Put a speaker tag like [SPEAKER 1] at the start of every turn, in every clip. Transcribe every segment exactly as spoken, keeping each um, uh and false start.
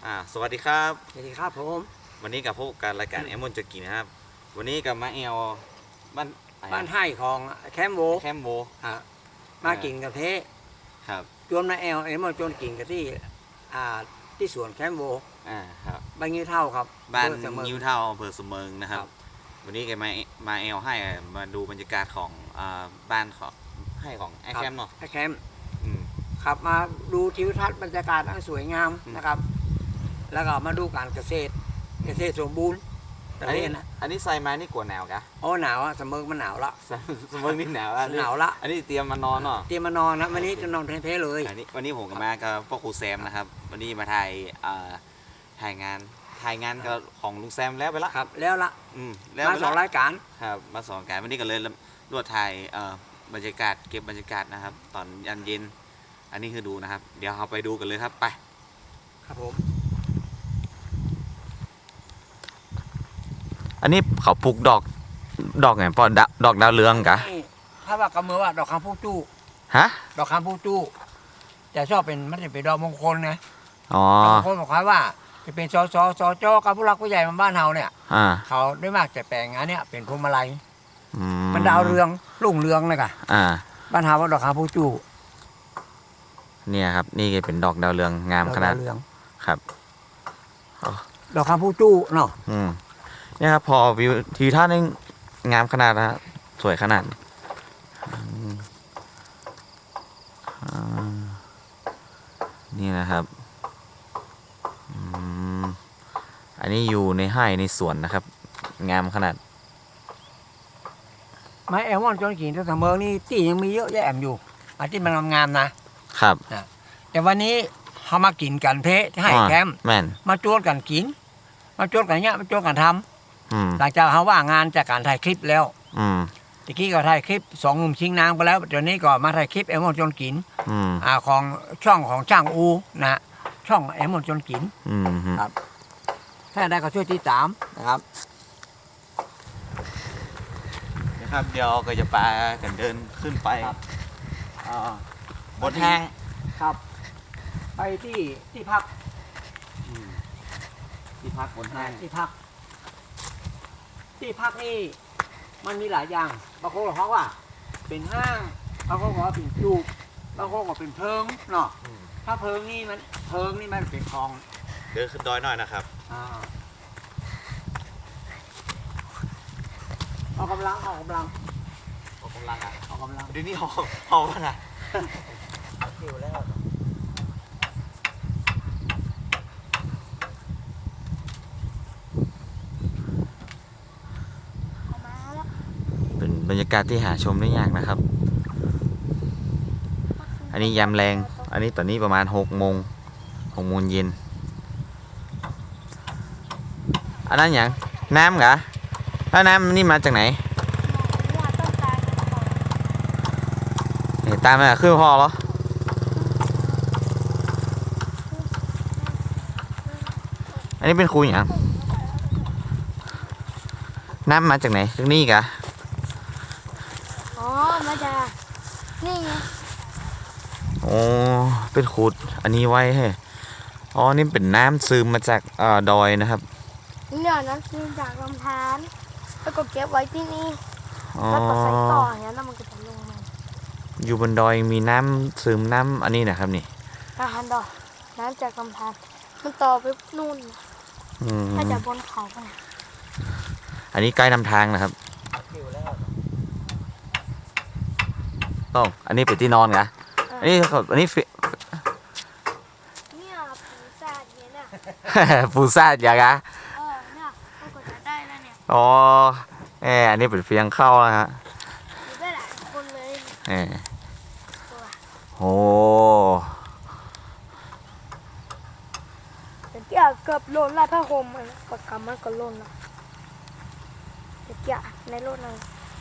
[SPEAKER 1] อ่าสวัสดีครับ
[SPEAKER 2] สวัสดีครับผม
[SPEAKER 1] วันนี้กับพวกการรายการแอมมอนจะกินนะครับวันนี้กับมาเอลบ้าน
[SPEAKER 2] บ้านให้ของแคมโบ
[SPEAKER 1] แคมโบ
[SPEAKER 2] ฮะมากินกับเท
[SPEAKER 1] ครับ
[SPEAKER 2] จวนมาแอลเอ็มจนกินกับที่อ่าที่สวนแคมโบ
[SPEAKER 1] อ่าครับ
[SPEAKER 2] บ้านยิ้วเท่าครับ
[SPEAKER 1] บ้านยิ้วเท่าอำเภอสมเมิงนะครับวันนี้แกมามาเอลให้มาดูบรรยากาศของอ่าบ้านของให้ของไอแคมเนาะ
[SPEAKER 2] ไอแคมครับมาดูทิวทัศน์บรรยากาศอันสวยงามนะครับแล้วก็มาดูการเกษตรเกษตรสมบูรณ์
[SPEAKER 1] อันนี้อันนี้ใส่มานี่กลัวหนาวกะ
[SPEAKER 2] โอ้หนาวอะสมเมิงมันหนาวละ
[SPEAKER 1] สมเมิงนี่หนาวละ
[SPEAKER 2] หนาวละ
[SPEAKER 1] อันนี้เตรียมมานอนเนาะ
[SPEAKER 2] เตรียมมานอนนะวันนี้จะนอนเพ่ๆเลย
[SPEAKER 1] อันนี้วันนี้ผมกับมากับพ่อครูแซมนะครับวันนี้มาถ่ายอ่าถ่ายงานถ่ายงานกับของลุงแซมแล้วไปละ
[SPEAKER 2] ครับแล้วละ
[SPEAKER 1] อืม
[SPEAKER 2] มาสองรายการ
[SPEAKER 1] ครับมาสองรายการวันนี้ก็เลยรวดถ่ายเอ่อบรรยากาศเก็บบรรยากาศนะครับตอนยันเย็นอันนี้คือดูนะครับเดี๋ยวเราไปดูกันเลยครับไป
[SPEAKER 2] ครับผม
[SPEAKER 1] อันนี้เขาปลูกดอกดอกไงปอดดอกดาวเรืองกะ
[SPEAKER 2] ถ้าว่ากำมือว่าดอกคำพูจู้
[SPEAKER 1] ฮะ
[SPEAKER 2] ดอกคำพูจู้จะชอบเป็นมันจะเป็นดอกมงคลนะ
[SPEAKER 1] อ๋อ
[SPEAKER 2] ดอกมงคลบอกว่าจะเป็นซอซอซอจอกับผู้รักผู้ใหญ่มาบ้านเฮาเนี่ยเขาได้มากจะแปลงงานเนี่ยเป็นพวงมาลัยมันดาวเรืองรุ่งเรืองเลยค่ะบ้านเฮาว่าดอกคำพูจู้
[SPEAKER 1] เนี่ยครับนี่เป็นดอกดาวเรืองงามขนาดครับ
[SPEAKER 2] ดอกคำพูจู้เนาะ
[SPEAKER 1] เนี่ยครับพอวิวทีท่านี่งามขนาดนะสวยขนาดนี่นะครับอันนี้อยู่ในไร่ในสวนนะครับงามขนาด
[SPEAKER 2] ไม้แอลมอนจนกินที่เสมอนี่ตียังมีเยอะแยะอยู่อันที่มันงามๆนะครับแต่วันนี้เขามากินกันเพะให้แคมมาโจทย์กันกินมาโจทย์กันเนี้ยมาโจทย์กันทำหลังจากเขาว่างานจากการถ่ายคลิปแล้วตะกี้ก็ถ่ายคลิปสองหนุ่มชิงนางไปแล้วเดี๋ยวนี้ก็มาถ่ายคลิปแอลมอนจนกินอ่าของช่องของช่างอูนะช่องแอลมอนจนกินครับถ้าได้ก็ช่วยติดตามนะครับ
[SPEAKER 1] นะครับเดี๋ยวก็จะพากันเดินขึ้นไปบนห้าง
[SPEAKER 2] ครับไปที่ที่พัก
[SPEAKER 1] ที่พักบนห้าง
[SPEAKER 2] ที่พักที่พักนี่มันมีหลายอย่างบางคนบอกว่าเป็นห้างบางคนบอกว่าเป็นจูบบางคนบอกเป็นเพิงเนาะถ้าเพิงนี่มันเพิงนี่มันเป็นคลอง
[SPEAKER 1] เดินขึ้นดอยหน่อยนะครับ
[SPEAKER 2] ออกกำลังออกกำลัง
[SPEAKER 1] ออกกำลังอ่ะ
[SPEAKER 2] ออกกำลัง
[SPEAKER 1] เดี๋ยวนี้หอบหอบนะ
[SPEAKER 2] หิวแล้ว
[SPEAKER 1] เป็นบรรยากาศที่หาชมได้ยากนะครับอันนี้ยามแรงอันนี้ตอนนี้ประมาณหกโมงหกโมงเย็นอันนั้นอย่างน้ำเหรอแล้วน้ำนี่มาจากไหนตามมาขึ้นพอเหรออันนี้เป็นครูอย่างน้ำมาจากไหนจากนี่กะ
[SPEAKER 3] อ๋อมาจากนี่ไง
[SPEAKER 1] โอ้เป็นขุดอันนี้ไว้ให้อ๋อนี่เป็นน้ำซึมมาจากอ่าดอยนะครับ
[SPEAKER 3] เนี่ยน้ำซึมจากลำธารแล้วก็เก็บไว้ที่นี่แล้วก็ใส่ต่ออย่างนี้แล้วมันก็จะลงมา
[SPEAKER 1] อยู่บนดอยมีน้ำซึมน้ำอันนี้นะครับนี่
[SPEAKER 3] ลำธารดอยน้ำจากลำธารมันต่อไปนู่นถ้าจะบนเขาไป
[SPEAKER 1] อันนี้ใกล้นำทางนะครับต้องอันนี้เป็นที่นอนไงอันนี้อันนี้
[SPEAKER 3] เนี่ยปูซาดเนี่ยนะ
[SPEAKER 1] ปูซาดอย่าง
[SPEAKER 3] อ่ะเออเนี่ยก็จะได้แล้วเนี่ย
[SPEAKER 1] อ๋อเอออันนี้เป็นเฟียงเข้านะฮะ
[SPEAKER 3] อยู่ได้หลายคนเลย
[SPEAKER 1] เออโอ้
[SPEAKER 3] เกี่ยเกือบโลนละผ้าห่มมันปากกามันก็โลนละเกี่ยในโลนเลย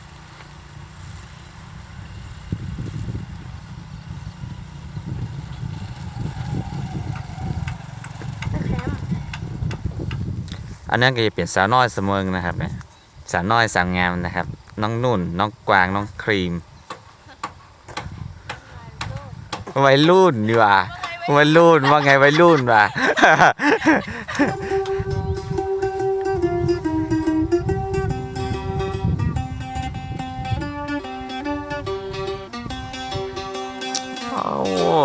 [SPEAKER 1] อันนั้นก็จะเปลี่ยนสาวน้อยเสมอนะครับเนี่ยสาวน้อยสาวงามนะครับน้องนุ่นน้องกวางน้องครีมวัยรุ่นดีกว่าวัยรุ่นว่าไงวัยรุ่นว่ะโอ้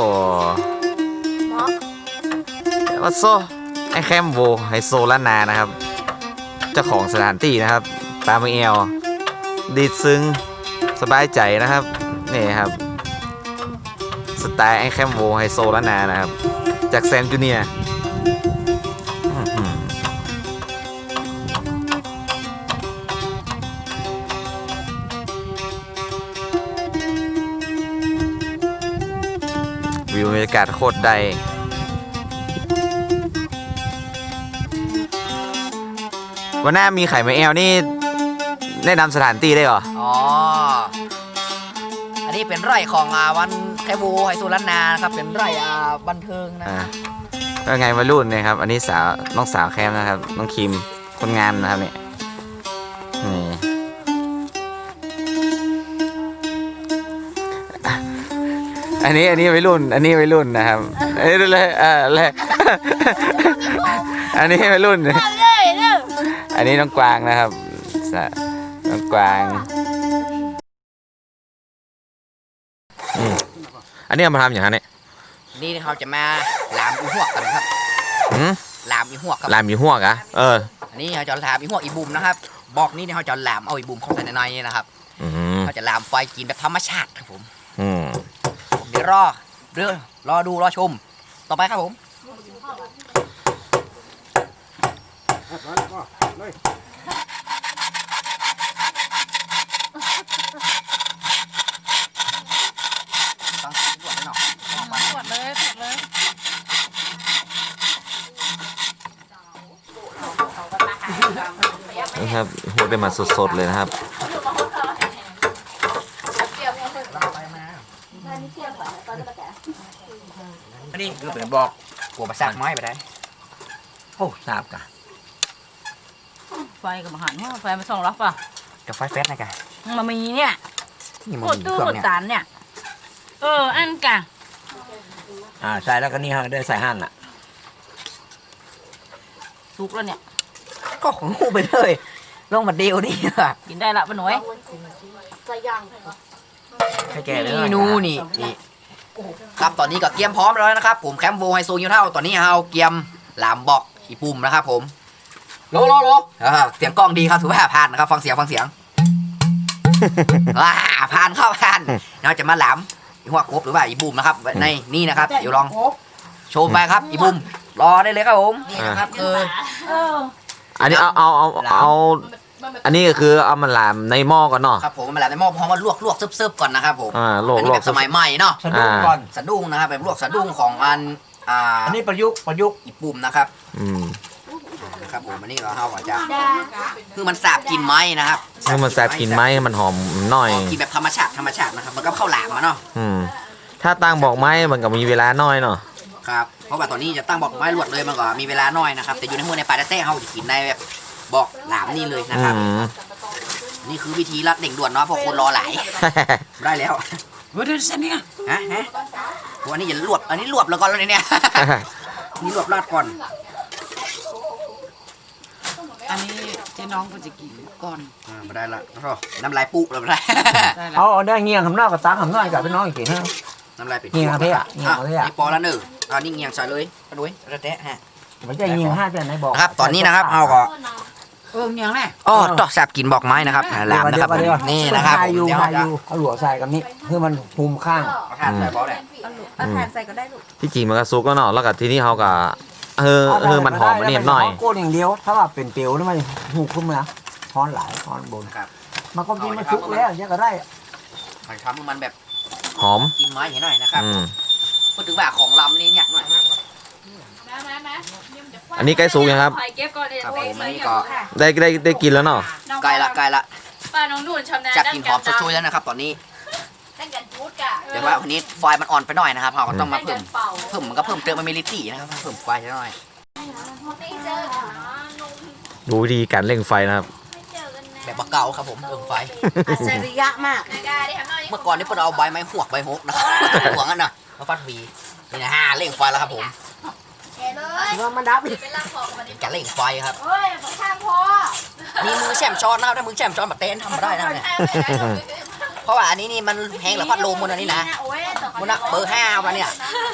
[SPEAKER 1] วัดโซไอแคมโวไฮโซล้านนานะครับเจ้าของสถานที่นะครับปลาเมอลดีซึ้งสบายใจนะครับนี่ครับสไตล์ไอแคมโวไฮโซล้านนานะครับจากแซมจูเนียร์วิวบรรยากาศโคตรใดวันหน้ามีไข่ไมแอลนี่แนะนำสถานที่ได้เหรอ
[SPEAKER 4] อ๋อ อันนี้เป็นไร่ของอ่าวันแคบูไฮโซล้านนานะครับ เป็นไร่อ่าบันเทิงนะ
[SPEAKER 1] อ่าก็ไงวัยรุ่นเนี่ยครับ อันนี้สาวน้องสาวแคมนะครับ น้องคิมคนงานนะครับเนี่ยนี่อันนี้อันนี้วัยรุ่น อันนี้วัยรุ่นนะครับเอ้ยเลยเออเลยอันนี้วัยรุ่น อันนี้น้องกวางนะครับน้องกวางอืมอันนี้เอามาทำอย่างไรเนี่ย
[SPEAKER 4] นี่เขาจะมาลามอีหวกกันครับ
[SPEAKER 1] หืม
[SPEAKER 4] ลามอีหวกครับ
[SPEAKER 1] ลามอยู่หัวกะเออ
[SPEAKER 4] อันนี้เขาจะลามอีหวกอีบุมนะครับ บอกนี่เขาจะลามเอาอีบุมเข้าไปในในนี่นะครับ
[SPEAKER 1] อืม
[SPEAKER 4] เขาจะลามไฟกินแบบธรรมชาติครับผม
[SPEAKER 1] อืม
[SPEAKER 4] เดี๋ยวรอเรื่องรอดูรอชม ต่อไปครับผม ต้องตรวจหน่อย
[SPEAKER 5] ตรวจเลยตรวจเลย
[SPEAKER 1] นะครับหัวได้มาสดๆเลยนะครับ
[SPEAKER 4] อันนี้คือเป็นบอกหัวประสาทไม้ไปได้
[SPEAKER 2] โอ้ทราบกะ
[SPEAKER 5] ไฟกับอาหารเนี่ยไฟมาส่องรับป่ะ
[SPEAKER 4] กับไฟเฟสนะกัน
[SPEAKER 5] มามีเนี่ย
[SPEAKER 4] นี่มัน
[SPEAKER 5] กด
[SPEAKER 4] มี
[SPEAKER 5] ตู้
[SPEAKER 4] เครื่อง
[SPEAKER 5] กด
[SPEAKER 4] เนี่ย
[SPEAKER 5] จานเนี่ย เออ อันกะ
[SPEAKER 2] อ่าใส่แล้วก็นี่ฮะได้ใส่หั่นอ่ะ
[SPEAKER 5] สุกแล้วเนี่ย
[SPEAKER 4] ก็ของงูไปเลยลงมาเดียวนี่อะ
[SPEAKER 5] กินได้ละป้าหน่วย
[SPEAKER 2] ให้แกเลย
[SPEAKER 4] นี่นูนี่นี่ครับตอนนี้ก็เตรียมพร้อมแล้วนะครับ ผมแคมป์โบไฮโซยูเท่าตอนนี้เราเตรียมหลามบอกอีปุ่มนะครับผมโลโลโลอ่าเสียงกล้องดีครับถือว่าผ่านนะครับฟังเสียงฟังเสียง ว้าผ่านเข้าผ่านเราจะมาหลามอีหัวกบหรือว่าอีบุมนะครับในนี่นะครับเดี๋ยวลองโชว์ไปครับอีบุมรอได้เลยครับผมนี่นะครับคือ
[SPEAKER 5] เออ
[SPEAKER 1] อันนี้เอาเอาเอาเอาอันนี้ก็คือเอามาลามในหม้อก่อนเนาะ
[SPEAKER 4] ครับผมมาหลามในหม้อเพราะว่าลวกลวกซึบๆก่อนนะครับผม
[SPEAKER 1] อ่าลวก
[SPEAKER 4] อัน
[SPEAKER 1] ล
[SPEAKER 4] นี้
[SPEAKER 1] ว
[SPEAKER 4] แบ
[SPEAKER 1] ก
[SPEAKER 4] บสมัยใหม่เนาะ
[SPEAKER 2] สะดุ้งก่อน
[SPEAKER 4] สะดุ้งนะครับแบบลวกสะดุ้งของอันอ่า
[SPEAKER 2] อันนี้ประยุกต์ประยุกต์
[SPEAKER 4] อีปุ่มนะครับ
[SPEAKER 1] อืม
[SPEAKER 4] นะครับผมอันนี้เราเอาอาจจะคือมันสาบกลินไม้นะครับ
[SPEAKER 1] ให้มันแซ่บกินไหมให้มันหอมหน่อย
[SPEAKER 4] กินแบบธรรมชาติธรรมชาตินะครับมันก็เข้าหลามมาเนาะ
[SPEAKER 1] อืมถ้าตั้งบอกไหมมันก็มีเวลาน้อยเนาะ
[SPEAKER 4] ครับเพราะว่าตอนนี้จะตั้งบอกไม้ลวดเลยมันก็มีเวลาน้อยนะครับแต่อยู่ในหัวในปลาแท้ๆเขาจะกินในแบบบอกหลามนี่เลยนะค
[SPEAKER 1] อื
[SPEAKER 4] รับ
[SPEAKER 1] ม
[SPEAKER 4] นี่คือวิธีรัดเด่งด่วนเนาะเพราะคนรอหลาย ได้แล้ว
[SPEAKER 5] เฮ้ยเดี๋ยวเส้นเนี่ย
[SPEAKER 4] ฮะฮะโอ้อันนี้อย่าลวกอันนี้ลวกแล้วก่อนแล้วเนี่ย นี่ลวกราดก่อน
[SPEAKER 5] อันนี้เจ๊น้องก็จะกินก่อน
[SPEAKER 4] อ่ามาได้ละโอ้น้ำลายปุ๊บเลยมาได้
[SPEAKER 5] ได้ละ
[SPEAKER 2] เอาเอาได้เงี้ยงคำนอกกับตังคำนอกกับพี่น้องอีกทีฮะ
[SPEAKER 4] น้ำลายเป็ด
[SPEAKER 2] เงียงประเภทอะเงียง
[SPEAKER 4] อ่ะ
[SPEAKER 2] ประเภทอะ
[SPEAKER 4] นี่ปอละหนึ่งอันนี้เงียงใส่เลยกระดุยกระแตะฮะ
[SPEAKER 2] มันจะยิงห้าแต่ไหนบอก
[SPEAKER 4] นะครับ ตอนนี้นะครับเอาก็
[SPEAKER 5] เออเนียงแน่
[SPEAKER 4] อ๋อต่อแสบกินบอกไม้นะครับหลามนะครับ
[SPEAKER 2] เดี๋ยวก่อ
[SPEAKER 4] นี่นะครับ
[SPEAKER 2] ให้อยู่
[SPEAKER 4] เดี๋ยว
[SPEAKER 2] ให้
[SPEAKER 4] จะ
[SPEAKER 2] อยู่เอาหลวใส่กับนี้เพื่อมันภูมิข้าง
[SPEAKER 4] เอาทานใส่บอสเลย
[SPEAKER 5] เอาแทนใส่ก็ได้ลูก
[SPEAKER 1] ที่จริงมันก็ซุกแล้วเนาะแล้วก็ทีนี้เขาก็เออเออมันหอมมันเนียบหน่อย
[SPEAKER 2] โก้นอย่างเดียวถ้าว่าเป็นเปียวนี่มันหูขึ้นมาทอนหลายทอนบน
[SPEAKER 4] ครับ
[SPEAKER 2] มันก็กินมันชุกแล้วอย่างเงี้ยก็ได้
[SPEAKER 4] มันทำให้มันแบบ
[SPEAKER 1] หอม
[SPEAKER 4] กินไม้เห็นหน่อยนะครับ
[SPEAKER 1] อืม
[SPEAKER 4] พูดถึงว่าของลำนี่เนี่ยหน่อย
[SPEAKER 1] อันนี้ใกล้สุกยังครับ
[SPEAKER 5] เก็บก่อนเดี๋ยว
[SPEAKER 4] ครับผมอันนี้ก็
[SPEAKER 1] ได้ได้ได้กินแล้วเนาะ
[SPEAKER 4] ใกล้ละใกล้ละ
[SPEAKER 5] ป้าน้องนุ่นชำนาญ
[SPEAKER 4] จากกลินหอมสดชื่นแล้วนะครับ ตอนนี้
[SPEAKER 5] ตั้งกันพูดกะ
[SPEAKER 4] แต่ว่าวันนี้ไฟมันอ่อนไปหน่อยนะครับเราก็ต้องมา
[SPEAKER 5] ตั้ง
[SPEAKER 4] เพิ่
[SPEAKER 5] กั
[SPEAKER 4] ม
[SPEAKER 5] นเป่า
[SPEAKER 4] เพิ่มมันก็เพิ่มเติมมันมีลิตี้นะครับเพิ่มไฟนิดหน่อย
[SPEAKER 1] ดูวิธีการเร่งไฟนะครับ
[SPEAKER 4] แบบบะเก่าครับผมเพิ่มไฟ
[SPEAKER 5] อัจฉริยะมาก
[SPEAKER 4] เมื่อก่อนนี่เพิ่นเอาใบไม้หวกใบหกนะครับ หวกนั่นน่ะมาฟัดวีนี่นะฮะเร่งไฟแล้วครับผม
[SPEAKER 3] แกเลย
[SPEAKER 2] ว่ามันดับ
[SPEAKER 4] การเร่งไฟครับ
[SPEAKER 3] เฮ้ยบอกข้างพอ
[SPEAKER 4] นี่มือแช่มช้อนนะครับถ้ามือแช่มช้อนแบบเต้นทำไม่ได้นะเนี่ยเพราะว่าอันนี้นี่มันแห้งแล้วพัดลมมันอันนี้นะมันนะเบอร์ห้าวันเนี่ย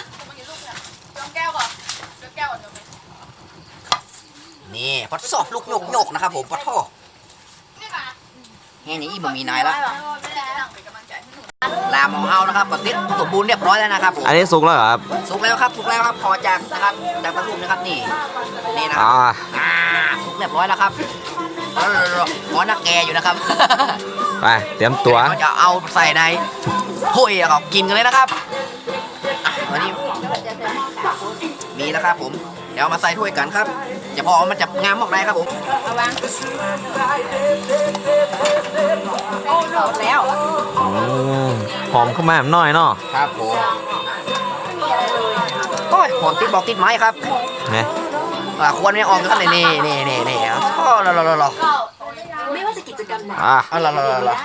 [SPEAKER 4] นี่พัดซอกลูกโยกโยกนะครับผมพัดท่อแห้งนี้อีมันมีนายแล้วลามของเฮานะครับก็ติดสมบูรณ์เรียบร้อยแล้วนะครับผม
[SPEAKER 1] อันนี้สุกแล้วเหรอครับ
[SPEAKER 4] สุกแล้วครับสุกแล้วครับพอจากนะครับจากตะลุมนะครับนี่นี่นะค
[SPEAKER 1] อ่า
[SPEAKER 4] รับอ่าสุกเรียบร้อยแล้วครับแล้วหมอนักแกอยู่นะครับ
[SPEAKER 1] ไปเตรียมตัว
[SPEAKER 4] เราจะเอาใส่ในถ้วยแล้วก็กินกันเลยนะครับอ่ะวันนี้มีแล้วครับผมเดี๋ยวเอามาใส่ถ้วยกันครับจะพอมันจะงามออกได้ครับผม
[SPEAKER 5] แล้ว
[SPEAKER 1] อืมหอมขึ้นมาหน่อยเนาะ
[SPEAKER 4] ครับผมโอ้ยหอมติดบอกติดไม้ครับ
[SPEAKER 1] ไง
[SPEAKER 4] อ่าควรไม่ออกกันเลยนี่นี่นี่นี่อ๋อรอรอรอรอ
[SPEAKER 3] ไม่ว่าจะกิจกรรมไหน
[SPEAKER 1] อ่ะ
[SPEAKER 4] อ๋อรอรอรอรอ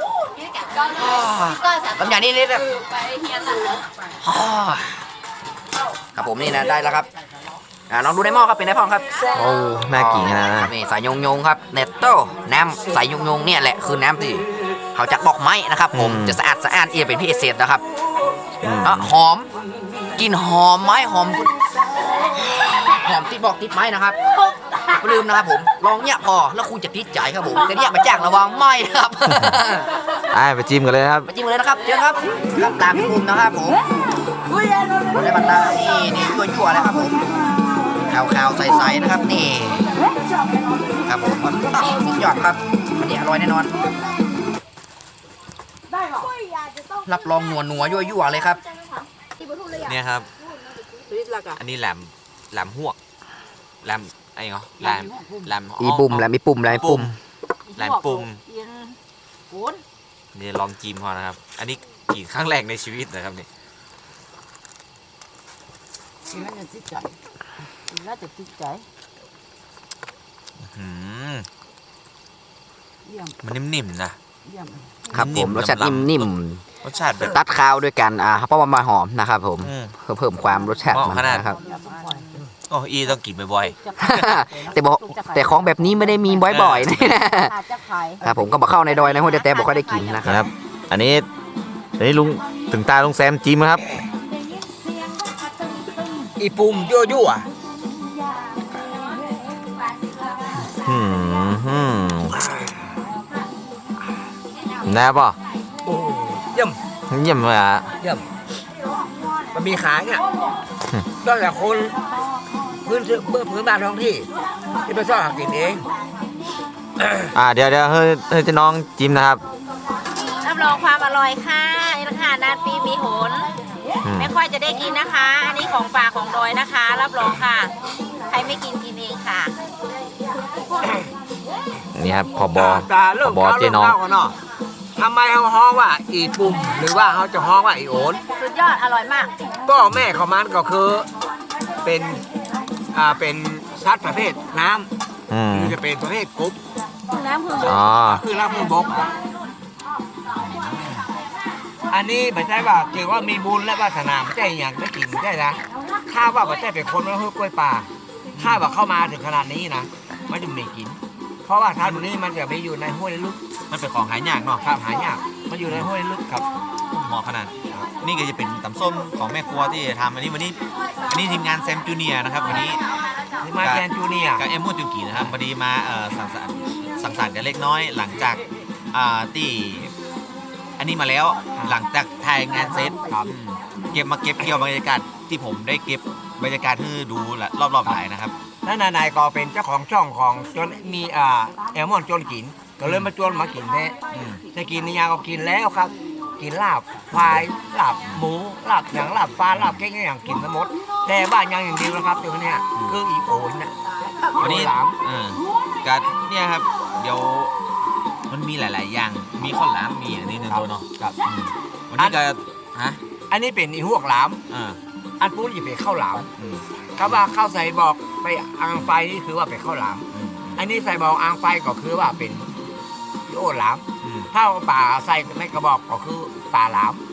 [SPEAKER 3] ก็สามารถ
[SPEAKER 4] ลำอย่างนี้นี่แบบอ๋อครับผมนี่นะได้แล้วครับอ่าลองดูในหม้อครับเป็นไงพ่อครับ
[SPEAKER 1] โอ้น่ากินขนาด
[SPEAKER 4] ค
[SPEAKER 1] นะ
[SPEAKER 4] รับนี่ใส่ยงยงๆครับเนตโต้น้ำใส่ยงยงๆเนี่ยแหละคือน้ำที่เขาจากบอกไม้นะครับผมจะสะอาดสะอาดเอียเป็นพิเศษนะครับ
[SPEAKER 1] อืม
[SPEAKER 4] อ่ะหอมกลินหอมไม้หอมหอมติดบอกติดไม้นะครับไม่ลืมนะครับผมลองเนี่ยพอแล้วคุณจะติดใจครับผมแต่เนี่ยมาจ้างระวังไหม้นะครับ
[SPEAKER 1] อ่ะไปจิ้มกันเลยครับ
[SPEAKER 4] มาจิ้มเลยนะครับเชิญครับครับตามพี่บุญนะครับผมได้บัตรตานี่นี่ยั่วๆเลยครับผมขาวๆใสๆนะครับนี่ครับผมสุดยอดครับวันนี้อร่อยแน่นอนรับรองนัวนัวๆยั่วๆเลยครับ
[SPEAKER 1] เนี่ยครับ อันนี้แหลมแหลมหวกแหลมอะไรเหรอแหลมแหลม
[SPEAKER 4] อีปุ่มแหลมอีปุ่มแหลมปุ่ม
[SPEAKER 1] แหลมปุ่ม
[SPEAKER 5] โอน
[SPEAKER 1] นี่ลองจิ้มพอนะครับ อันนี้กินครั้งแรกในชีวิตนะครับนี่
[SPEAKER 5] กินแล้วจะติดใจกินแล้วจะติดใจ
[SPEAKER 1] อืม
[SPEAKER 5] เยี่ยม
[SPEAKER 1] มันนิ่มๆนะ
[SPEAKER 5] เยี่ยม
[SPEAKER 4] ครับผมรสชาตินิ่ม
[SPEAKER 1] รสชาติแบบ
[SPEAKER 4] ๆตัดข้าวด้วยกันอ่าเพราะว่ามาหอมนะครับผม
[SPEAKER 1] อืม
[SPEAKER 4] เพื่อเพิ่มความรสชาติ
[SPEAKER 1] เหมาะ
[SPEAKER 4] มัน
[SPEAKER 1] ขนาด
[SPEAKER 4] นะครับ
[SPEAKER 1] โอ้อีต้องกินบ่อย
[SPEAKER 4] แต่บอกแต่ของแบบนี้ไม่ได้มีบ่อยๆนะ
[SPEAKER 5] อาจจะขาย
[SPEAKER 4] ครับผมก็บอกเข้าในดอยในห้วยแต่บอกค่อยได้กินนะ
[SPEAKER 1] ๆ
[SPEAKER 4] ครับ
[SPEAKER 1] นะครับ อันนี้อันนี้ลุงถึงตาลุงแซมจิ้มนะครับ
[SPEAKER 2] อีปุ่มยั่วยั่ว
[SPEAKER 1] อืมอืมแน่ป่ะ
[SPEAKER 2] โอ้เยี่ยม
[SPEAKER 1] เยี่ยมเลยอ่ะ
[SPEAKER 2] เยี่ยมมันมีขายเนี่ยตั้งแต่คนพื้นเบื้องพื้นบ้านท้องที่ที่ไปซ่อนหากินเอง
[SPEAKER 1] อ่าเดี๋ยวเดี๋ยวเฮ้ยเฮ้ยจะน้องจิ้มนะครับ
[SPEAKER 6] รับรองความอร่อยค่ะนี่ราคานานปีมีหน
[SPEAKER 1] อืม
[SPEAKER 6] ไม่ค่อยจะได้กินนะคะ อันนี้ของป่าของดอยนะคะ รับรองค่ะ ใครไม่กินกินเองค่ะ
[SPEAKER 1] นี่ครับพอบอ
[SPEAKER 2] ตาเริ่ม
[SPEAKER 1] พอบอ
[SPEAKER 2] เก้า
[SPEAKER 1] เจ๊
[SPEAKER 2] เริ่ม
[SPEAKER 1] น้อง
[SPEAKER 2] เก้ากันเนาะทำไมเขาฮ้องว่าอีปุ่มหรือว่าเขาจะฮ้องว่าอีโอน
[SPEAKER 6] สุดยอดอร่อยมาก
[SPEAKER 2] ก็แม่ของมันก็คือเป็นอ่าเป็นสัตว์ประเภทน้
[SPEAKER 1] อืม
[SPEAKER 2] ำหรือจะเป็นประเภทกรุ๊ป
[SPEAKER 6] น้ำพึ่ง
[SPEAKER 1] อ๋อ
[SPEAKER 2] คือรับมือบก อันนี้ไม่ใช่ว่าเกี่ยวว่ามีบุญและวาสนาไม่ใช่อย่างได้กินไม่ใช่นะถ้าว่าไม่ใช่เป็นคนแล้วคือกล้วยป่าถ้าว่าเข้ามาถึงขนาดนี้นะมันจะไม่กิน เพราะว่าทานนี้มันจะไม่อยู่ในห้วยลึก
[SPEAKER 1] มันเป็นของหายากเนาะ
[SPEAKER 2] ครับหายากมันอยู่ในห้วยลึกครับ
[SPEAKER 1] เหมาะขนาด นี่ก็จะเป็นตำส้มของแม่ครัวที่ทำอันนี้วันนี้ อันนี้ทีมงานแซมจูเนียร์นะครับวันนี้
[SPEAKER 2] ที่มาแกนจูเนียร์
[SPEAKER 1] กับเอ็มมูจุนกีนะครับพอดีมาเอ่อสังสรรค์สังสรรค์กันเล็กน้อยหลังจากอ่าที่อันนี้มาแล้วหลังจากถ่ายงานเซตครับเก็บมาเก็บเกี่ยวบรรยากาศที่ผมได้เก็บบรรยากาศให้ดูละรอบๆหลายนะครับ
[SPEAKER 2] นั่นนายก็เป็นเจ้าของช่องของจนมีอ่าแอลมอนจนกิน ก็เลยมาจนมากินแท้
[SPEAKER 1] อืม
[SPEAKER 2] จะกินนี่ยังก็กินแล้วครับ กินลาบควายลาบหมูลาบหนังลาบปลาลาบเก้งอย่างกินทั้งหมด แต่บ้านยังอย่างเดียวนะครับตัวเนี้ยคืออีโอนนะ
[SPEAKER 1] วันนี้
[SPEAKER 2] หลาม
[SPEAKER 1] เออการเนี่ยครับเดี๋ยวมันมีหลาย ๆ อย่างมีข้าวหลามมีอันนี้หนึ่งตัวเนาะ
[SPEAKER 2] ครับ
[SPEAKER 1] อืมวันนี้ก็ฮะ
[SPEAKER 2] อันนี้เป็นอีหวกหลาม
[SPEAKER 1] อ่า
[SPEAKER 2] อันปุ้นจะเป็นข้าวหลาม
[SPEAKER 1] อืม
[SPEAKER 2] คำว่าข้าวใส่บอกไปอ่างไฟนี่คือว่าเป็นข้าวหลาม
[SPEAKER 1] อืม
[SPEAKER 2] อันนี้ใส่บอกอ่างไฟก็คือว่าเป็นอีโอหลาม
[SPEAKER 1] อืม
[SPEAKER 2] ถ้าป่าใส่ไม่กระบอกก็คือป่าหลาม
[SPEAKER 1] อืม
[SPEAKER 2] ค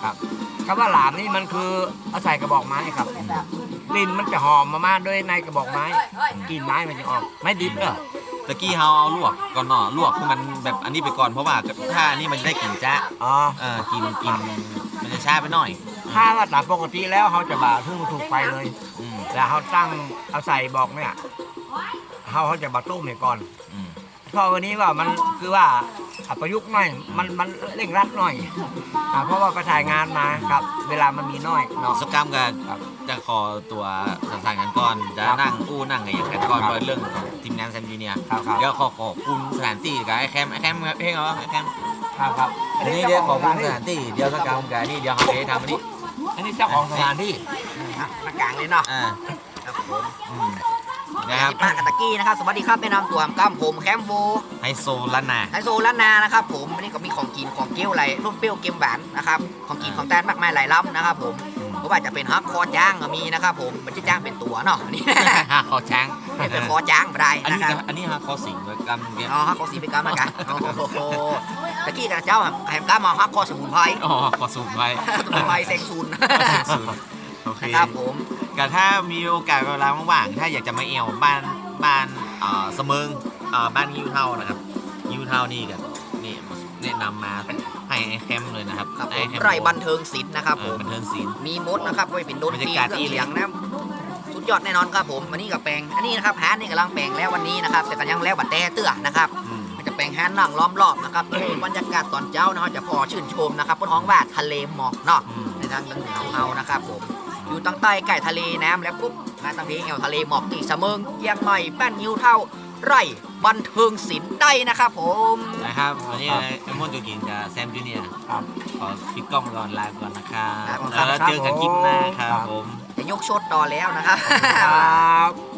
[SPEAKER 2] ครับคำว่าหลามนี่มันคือเอาใส่กระบอกไม้ครับกลิ่นมันจะหอมมากๆด้วยในกระบอกไม้กลิ่นไม้มันจะออกไม้ดิบเนอะ
[SPEAKER 1] ตะกี้เฮาเอาลวกก่อนเนาะลวกคือมันแบบอันนี้ไปก่อนเพราะว่าถ้าอันนี้มันจะได้กลิ่นจ้า
[SPEAKER 2] อ๋อ
[SPEAKER 1] เออกินกินมันจะช้าไปหน่อย
[SPEAKER 2] ถ้าว่าตามปกติแล้วเขาจะบ่าทุ่งถูกไฟเลย
[SPEAKER 1] อืม
[SPEAKER 2] แล้วเขาตั้งเอาใส่บอกเนี่ยเขาเขาจะบ่าต้มเนี่ยก่อน
[SPEAKER 1] อืม
[SPEAKER 2] เพราะวันนี้ว่ามันคือว่าอ่ะประยุกต์หน่อยมันมันเร่งรัดหน่อยอ่ะเพราะว่าไปถ่ายงานมาครับ เวลามันมีน้อยเนาะ
[SPEAKER 1] สกรรมกัน
[SPEAKER 2] ครับ
[SPEAKER 1] จะขอตัวสั่งๆกันก่อนจะนั่งอู้นั่งอะไรอย่างกันก่อน
[SPEAKER 2] ครับ
[SPEAKER 1] โดยเรื่องของทีมงานแซมจูเนียร์
[SPEAKER 2] ครับครับ
[SPEAKER 1] เดี๋ยวขอขอบคุณสถานที่กับไอ้แคมไอ้แคมเพลงเหรอไอ้แคม
[SPEAKER 2] ครับครับ
[SPEAKER 1] อันนี้เดี๋ยวขอบคุณสถานที่เดี๋ยวสกรรมกันนี่เดี๋ยวเขาไปทำอันนี้
[SPEAKER 2] อันนี้เจ้าของสถานที่
[SPEAKER 4] อ่ะมากลางเลยเนาะ
[SPEAKER 1] อ่า
[SPEAKER 4] ครับผม
[SPEAKER 1] อืมนะครับ
[SPEAKER 4] ป้ากับตะกี้นะครับสวัสดีครับแนะนำตัวผมก้ามผมแคมโบ
[SPEAKER 1] ไฮโซล้านนา
[SPEAKER 4] ไฮโซล้านนานะครับผมวันนี้ก็มีของกินของเกี้ยวอะไรรุ่นเปรี้ยวเกมหวานนะครับของกินของแตนมากมายหลายล้ำนะครับผมเพราะว่าจะเป็นฮักคอจ้างก็มีนะครับผมมันจะจ้างเป็นตัวเนาะนี่
[SPEAKER 1] ฮะคอช้าง
[SPEAKER 4] เป็นคอจ้างไม่ได้
[SPEAKER 1] อัน
[SPEAKER 4] นะ
[SPEAKER 1] นี้
[SPEAKER 4] ครับ
[SPEAKER 1] ก็อันนี้ฮะคอสิงกับกันเงี้ย
[SPEAKER 4] อ๋อฮักคอสีไปกรรมนะกันโอ้โหตะกี้กับเจ้าแหมก้ามาฮักคอสมุนไพร
[SPEAKER 1] อ๋อขอสูงไว้
[SPEAKER 4] สมุนไพรเซ็งซูน
[SPEAKER 1] โอเค
[SPEAKER 4] ครับผม
[SPEAKER 1] ก็ถ้ามีโอกาสเวลาว่างๆถ้าอยากจะมาเอวบ้านบ้านเอ่อเสมิงเอ่อบ้านยิวเท่านะครับยิวเท่านี่กันนี่แนะนำมาให้ไอ้แคมเลยนะครับ
[SPEAKER 4] ครับผ
[SPEAKER 1] อ้
[SPEAKER 4] ม
[SPEAKER 1] แค
[SPEAKER 4] ไร่บันเทิงศิลป์นะครับ
[SPEAKER 1] เอ
[SPEAKER 4] ผ
[SPEAKER 1] อ
[SPEAKER 4] ม
[SPEAKER 1] บันเทิงศิลป์
[SPEAKER 4] มีมดนะครับไว้เป็นดนตรี
[SPEAKER 1] บรรยากาศ
[SPEAKER 4] เครื่อง
[SPEAKER 1] ดีเลย
[SPEAKER 4] เสียงนะสุดยอดแน่นอนครับผมวันนี้กับแปลงอันนี้นะครับฮานนี่กำลังแปลงแล้ววันนี้นะครับแต่ก็ยังแล้วบัดแต่เตื้อนะครับ
[SPEAKER 1] อืม
[SPEAKER 4] มันจะแปลงฮานนั่งล้อมรอบนะครับนี่บรรยากาศตอนเช้านะครับจะพอชื่นชมนะครับบนท้องว่าทะเลหมอกเนาะ
[SPEAKER 1] อืม
[SPEAKER 4] ในทางเหนือของเรานะครับผมอยู่ตั้งใต้ใกล้ทะเลน้ำแล้วปุ๊บมาตั้งเพลงแอวทะเลหมอกที่เสมิงเกียงใหม่บ้านยิวเท่าไร่บันเทิงศิลป์ได้นะครับผม
[SPEAKER 1] นะครับวันนี้ไอ้มอนตัวกินกับแซมจูเนียร์
[SPEAKER 2] ครับ
[SPEAKER 1] ขอปิดกล้องก่อนลาก่อนนะครับ
[SPEAKER 4] ครับ
[SPEAKER 1] แล้วเจอกันคลิปหน้าครับผม
[SPEAKER 4] จะยกชดต่อแล้วนะครับ
[SPEAKER 2] ครับ